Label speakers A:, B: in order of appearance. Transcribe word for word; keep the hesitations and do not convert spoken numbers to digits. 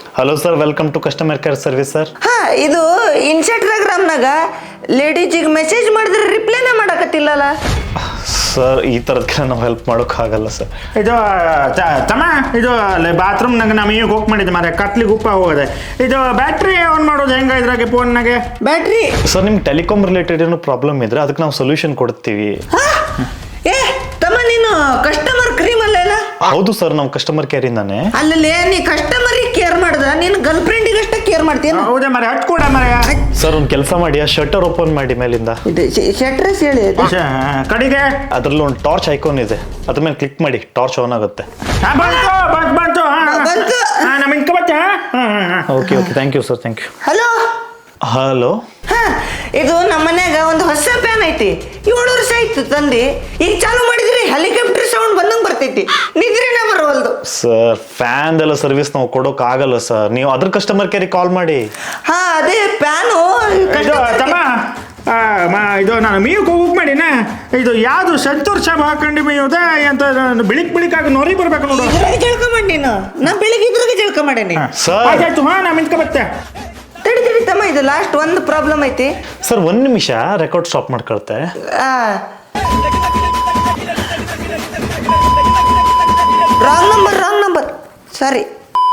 A: Hello sir, welcome to customer care service sir.
B: ಹಾ, ಇದು ಇನ್ಸ್ಟಾಗ್ರಾಮ್ನಾಗ ಲೇಡೀಜಿಗೆ message ಮಾಡಿದ್ರೆ ರಿಪ್ಲೈನೇ ಮಾಡಕತ್ತಿಲ್ಲಲ್ಲ
A: ಸರ್. ಈ ಥರದಕ್ಕೆ ನಾವು ಹೆಲ್ಪ್ ಮಾಡೋಕ್ಕಾಗಲ್ಲ ಸರ್.
C: ಇದು ತಮ್ಮ ಇದು ಬಾತ್ರೂಮ್ನಾಗ ನಾವು ಈಗ ಹೋಗಿ ಮಾಡಿದ್ದೆ ಮಾರೆ, ಕತ್ಲಿಗೆ ಉಪ್ಪ ಹೋಗದೆ. ಇದು ಬ್ಯಾಟ್ರಿ ಆನ್ ಮಾಡೋದು ಹೆಂಗ ಇದ್ರಾಗೆ ಫೋನ್ನಾಗೆ?
B: ಬ್ಯಾಟ್ರಿ
A: ಸರ್, ನಿಮ್ಗೆ ಟೆಲಿಕಾಮ್ ರಿಲೇಟೆಡ್ ಏನೋ ಪ್ರಾಬ್ಲಮ್ ಇದ್ರೆ ಅದಕ್ಕೆ ನಾವು ಸೊಲ್ಯೂಷನ್ ಕೊಡ್ತೀವಿ.
B: ಏ ತಮ್ಮ, ನೀನು ಕಸ್ಟಮರ್ ಕ್ರೀಮ್ ಅಲ್ಲ?
A: ಹೌದು ಸರ್, ನಾವು ಕಸ್ಟಮರ್ ಕೇರ್ ಇಂದಾನೆ.
B: ಅಲ್ಲೇ ನೀ ಕಸ್ಟಮರಿಗೆ ಕೇರ್ ಮಾಡ್ದ, ನೀನು ಗರ್ಲ್ ಫ್ರೆಂಡಿಗೆ ಅಷ್ಟೇ ಕೇರ್ ಮಾಡ್ತೀಯ?
C: ಹೌದೇ ಮರೆ, ಹಟ್ ಕೂಡ ಮರೆ.
A: ಸರ್, ಒಂದು ಕೆಲಸ ಮಾಡಿ, ಆ ಶಟರ್ ಓಪನ್ ಮಾಡಿ ಮೇಲಿಂದ.
B: ಶಟ್ರಸ್ ಹೇಳಿ
C: ಕಡೆಗೆ
A: ಅದರಲ್ಲಿ ಒಂದು ಟಾರ್ಚ್ ಐಕಾನ್ ಇದೆ, ಅದ್ರ ಮೇಲೆ ಕ್ಲಿಕ್ ಮಾಡಿ, ಟಾರ್ಚ್ ಆನ್ ಆಗುತ್ತೆ.
C: ಬಂತು ಬಂತು ನಮ್ಮ ಇಂಕ ಬಚ್ಚ.
A: Okay okay, thank you sir, thank you.
B: Hello
A: hello.
B: ಹಾ, ಇದು ನಮ್ಮ ಮನ್ಯಾಗ ಒಂದು ಹೊಸ ಫ್ಯಾನ್ ಐತಿ, ಏಳು ವರ್ಷ ಆಯ್ತು ತಂದಿ. ಈಗ ಚಾಲು ಮಾಡಿದ್ರಿ ಹೆಲಿಕಾಪ್ಟರ್ ಸೌಂಡ್ ಬಂದಂಗೆ ಬರ್ತೈತಿ, ನಿದ್ರೆನೇ ಬರವಲ್ದು.
A: ಸರ್, ಫ್ಯಾನ್ ಎಲ್ಲ ಸರ್ವಿಸ್ ನಾವು ಕೊಡೋಕೆ ಆಗಲ್ಲ ಸರ್, ನೀವು ಅದ್ರ ಕಸ್ಟಮರ್ ಕೇರಿಗೆ ಕಾಲ್ ಮಾಡಿ.
B: ಹಾ, ಅದೇ ಫ್ಯಾನು.
C: ಇದು ತಮ್ಮ ಇದು ನಾನು ಮೀವು ಹೋಗಿ ಮಾಡಿನ, ಇದು ಯಾವುದು ಸಂತೂರ್ ಶಾಪ್ ಹಾಕೊಂಡು ಮೀವುದ ಅಂತ ಬಿಳಿಕ್ ಬಿಳಿಕಾಗಿ ನೋರಿ ಬರ್ಬೇಕು ನೋಡು.
B: ಇದ್ರಾಗ ಜಳಕ ಮಾಡಿ ನೀನು, ನಾ ಬೆಳಿಗ್ಗೆ ಇದ್ರಾಗ ಜಳಕ ಮಾಡೇನಿ
A: ಸರ್.
C: ಆಯ್ತು, ಹಾ ನಾ ಮಿಂಕ ಬತ್ತೆ.
B: ತಡಿ ತಡಿ ತಮ್ಮ, ಇದು ಲಾಸ್ಟ್ ಒಂದು ಪ್ರಾಬ್ಲಮ್ ಐತಿ
A: ಸರ್. ಒಂದು ನಿಮಿಷ, ರೆಕಾರ್ಡ್ ಸ್ಟಾಪ್ ಮಾಡ್ಕೊಳ್ತೆ.
B: ರಾಂಗ್ ನಂಬರ್ ರಾಂಗ್ ನಂಬರ್ ಸಾರಿ.